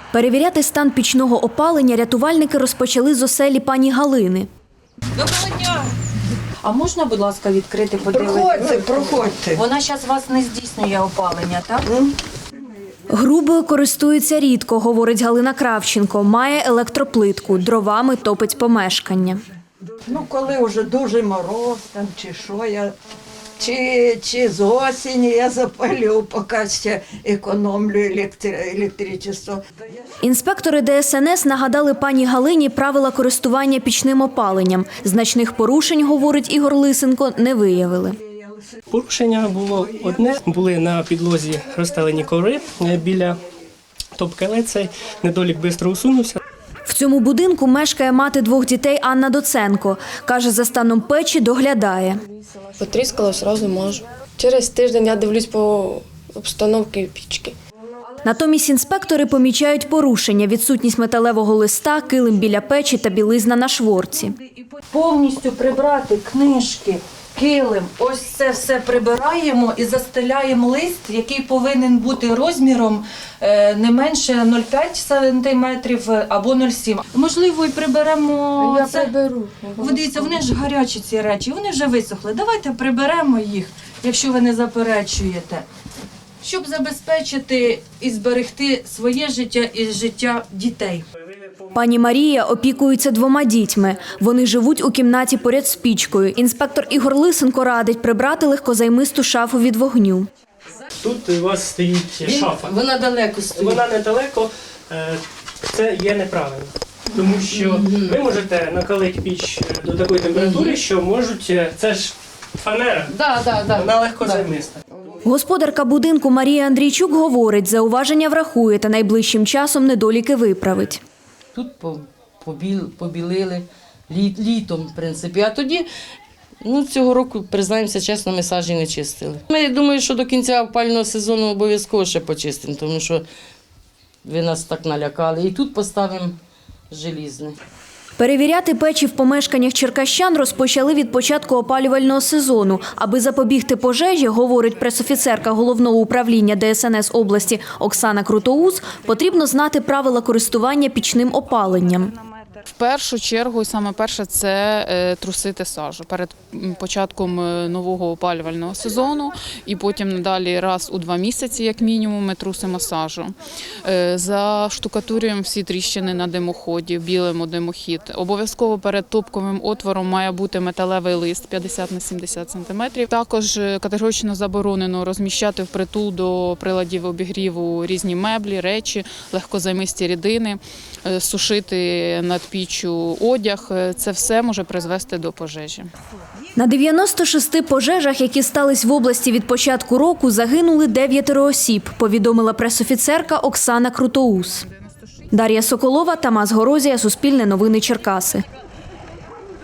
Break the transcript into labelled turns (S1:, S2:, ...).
S1: Перевіряти стан пічного опалення рятувальники розпочали з оселі пані Галини.
S2: Доброго дня! А можна, будь ласка, відкрити, подивитися?
S3: Проходьте.
S2: Вона зараз вас не здійснює опалення, так?
S1: Грубою користується рідко, говорить Галина Кравченко. Має електроплитку, дровами топить помешкання.
S3: Ну, коли вже дуже мороз там, чи що я, чи з осені я запалю, поки ще економлю електричество.
S1: Інспектори ДСНС нагадали пані Галині правила користування пічним опаленням. Значних порушень, говорить Ігор Лисенко, не виявили.
S4: Порушення було одне. Були на підлозі розстелені коври біля топки, але цей недолік швидко усунувся.
S1: В цьому будинку мешкає мати двох дітей Анна Доценко. Каже, за станом печі доглядає.
S5: Потріскало, одразу можу. Через тиждень я дивлюсь по обстановці пічки.
S1: Натомість інспектори помічають порушення – відсутність металевого листа, килим біля печі та білизна на шворці.
S2: Повністю прибрати книжки, килим, ось це все прибираємо і застеляємо лист, який повинен бути розміром не менше 0,5 см або 0,7. Можливо, і приберемо
S5: Я
S2: це.
S5: приберу.
S2: Дивіться, вони ж гарячі ці речі, вони вже висохли. Давайте приберемо їх, якщо ви не заперечуєте, щоб забезпечити і зберегти своє життя і життя дітей.
S1: Пані Марія опікується двома дітьми. Вони живуть у кімнаті поряд з пічкою. Інспектор Ігор Лисенко радить прибрати легкозаймисту шафу від вогню.
S4: Тут у вас стоїть шафа.
S5: Вона далеко стоїть.
S4: Вона недалеко, це є неправильно. Тому що ви можете накалити піч до такої температури, що можуть, це ж фанера, вона легкозаймиста.
S1: Господарка будинку Марія Андрійчук говорить, зауваження врахує та найближчим часом недоліки виправить.
S6: Тут побілили літом, в принципі. А тоді, цього року, признаємося чесно, ми сажі не чистили. Ми думаю, що до кінця опалювального сезону обов'язково ще почистимо, тому що ви нас так налякали. І тут поставимо желізне.
S1: Перевіряти печі в помешканнях черкащан розпочали від початку опалювального сезону. Аби запобігти пожежі, говорить пресофіцерка Головного управління ДСНС області Оксана Крутоус, потрібно знати правила користування пічним опаленням.
S7: В першу чергу, саме перше, це трусити сажу перед початком нового опалювального сезону і потім надалі раз у 2 місяці, як мінімум, ми трусимо сажу. Заштукатурюємо всі тріщини на димоході, білимо димохід. Обов'язково перед топковим отвором має бути металевий лист 50 на 70 см. Також категорично заборонено розміщати впритул до приладів обігріву різні меблі, речі, легкозаймисті рідини, сушити над піччю одяг. Це все може призвести до пожежі.
S1: На 96 пожежах, які стались в області від початку року, загинули 9 осіб, повідомила пресофіцерка Оксана Крутоус. Дар'я Соколова, Тамас Горозія, Суспільне новини Черкаси.